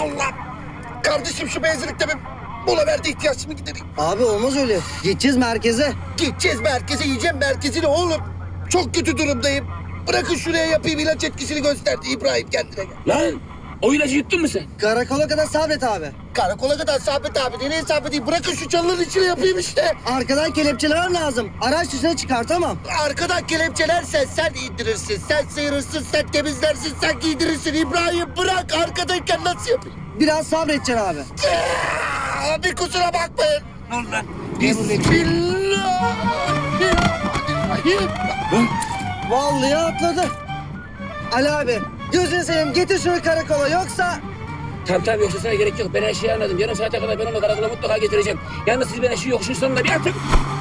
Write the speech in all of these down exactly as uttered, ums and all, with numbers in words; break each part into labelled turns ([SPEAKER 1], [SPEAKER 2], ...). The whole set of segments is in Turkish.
[SPEAKER 1] Allah! Kardeşim şu benzinlikte bir mola verdi, ihtiyaçımı gidereyim.
[SPEAKER 2] Abi olmaz öyle. Gideceğiz merkeze.
[SPEAKER 1] Gideceğiz merkeze, yiyeceğim merkezini oğlum. Çok kötü durumdayım. Bırakın şuraya yapayım, ilaç etkisini gösterdi İbrahim, kendine gel.
[SPEAKER 3] Lan o ilacı yuttun mu sen?
[SPEAKER 2] Karakola kadar sabret abi.
[SPEAKER 1] Karakola kadar Sabit abi, nereye sabredeyim? Bırakın şu çalının içine yapayım işte.
[SPEAKER 2] Arkadan kelepçeler lazım. Araç dışına çıkartamam.
[SPEAKER 1] Arkadan kelepçelersen sen indirirsin, sen sıyırırsın, sen temizlersin, sen giydirirsin. İbrahim bırak, arkadayken nasıl yapayım?
[SPEAKER 2] Biraz sabredeceksin abi.
[SPEAKER 1] Aa, bir kusura bakmayın.
[SPEAKER 3] Allah.
[SPEAKER 1] Bismillahirrahmanirrahim.
[SPEAKER 2] Vallahi atladı. Ali abi gözünü seveyim getir şunu karakola yoksa...
[SPEAKER 3] Tamam tamam yoksa sana gerek yok. Ben her şeyi anladım. Yarım saate kadar ben onu karakola mutlaka getireceğim. Yalnız siz bana şu yokuşun sonunda bir atın.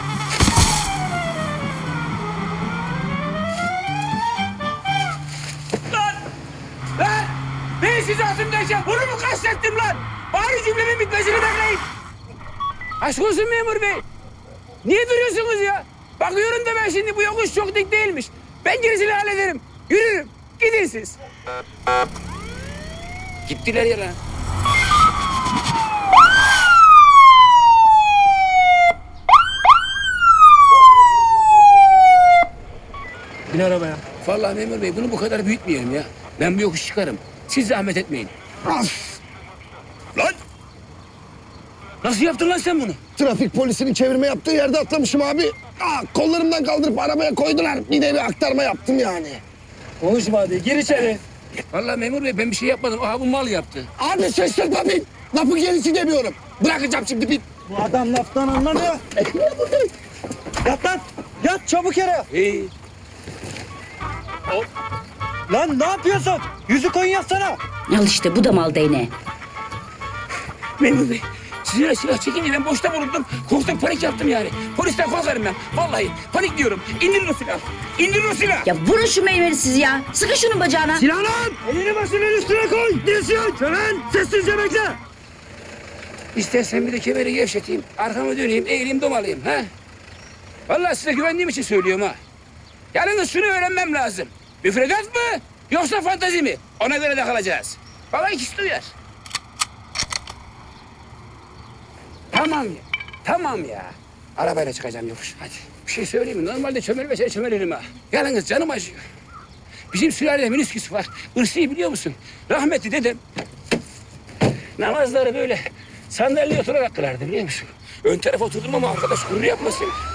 [SPEAKER 3] Lan! Lan! Ben sizi atımdayken bunu mu kastettim lan? Bari cümlemin bitmesini bekleyin. Aşk olsun memur bey. Niye duruyorsunuz ya? Bakıyorum da ben şimdi bu yokuş çok dik değilmiş. Ben gerisini hallederim. Yürürüm. Gidin siz. Gittiler ya lan.
[SPEAKER 4] Bin arabaya.
[SPEAKER 3] Vallahi memur bey bunu bu kadar büyütmeyelim ya. Ben bu yokuş çıkarım. Siz zahmet etmeyin. Lan! Nasıl yaptın lan sen bunu?
[SPEAKER 1] Trafik polisinin çevirme yaptığı yerde atlamışım abi. Aa, kollarımdan kaldırıp arabaya koydular. Bir de bir aktarma yaptım yani.
[SPEAKER 4] Konuşma hadi. Gir içeri.
[SPEAKER 3] Vallahi memur bey ben bir şey yapmadım. Aha bu mal yaptı.
[SPEAKER 1] Abi şaşırtma bin. Lafı gerisi demiyorum. Bırakacağım şimdi bin.
[SPEAKER 2] Bu adam laftan anlamıyor. Yat lan. Yat çabuk yere.
[SPEAKER 3] İyi.
[SPEAKER 2] Lan ne yapıyorsun? Yüzü koyun yatsana.
[SPEAKER 5] Al işte bu da mal değneği.
[SPEAKER 3] Memur bey siz öyle silah çekince ben boşta bulundum. Korktum panik yaptım yani. Polisten korkarım ben. Vallahi panik diyorum. İndirin o silahı. İndirin o silahı.
[SPEAKER 5] Ya vurun şu meyveni siz ya. Sıkın şunun bacağına.
[SPEAKER 3] Silah lan!
[SPEAKER 2] Elini başının üstüne koy. Dirsiyon. Çömen. Sessizce bekle.
[SPEAKER 3] İstersen bir de kemeri gevşeteyim. Arkamı döneyim, eğileyim, domalayayım. Ha? Vallahi size güvendiğim için söylüyorum ha. Yalnız şunu öğrenmem lazım. Müfredat mı yoksa fantazi mi? Ona göre de kalacağız. Baba ikisi de uyar. Tamam ya. Tamam ya. Arabayla çıkacağım yokuş. Hadi. Bir şey söyleyeyim mi? Normalde çömel ve şey çömelirim ha. Yalnız canım acıyor. Bizim sülalede minisküs var. Irsi'yi biliyor musun? Rahmetli dedem namazları böyle sandalyeye oturarak kılardı biliyor musun? Ön tarafa oturdum ama arkadaş gurur yapmasın.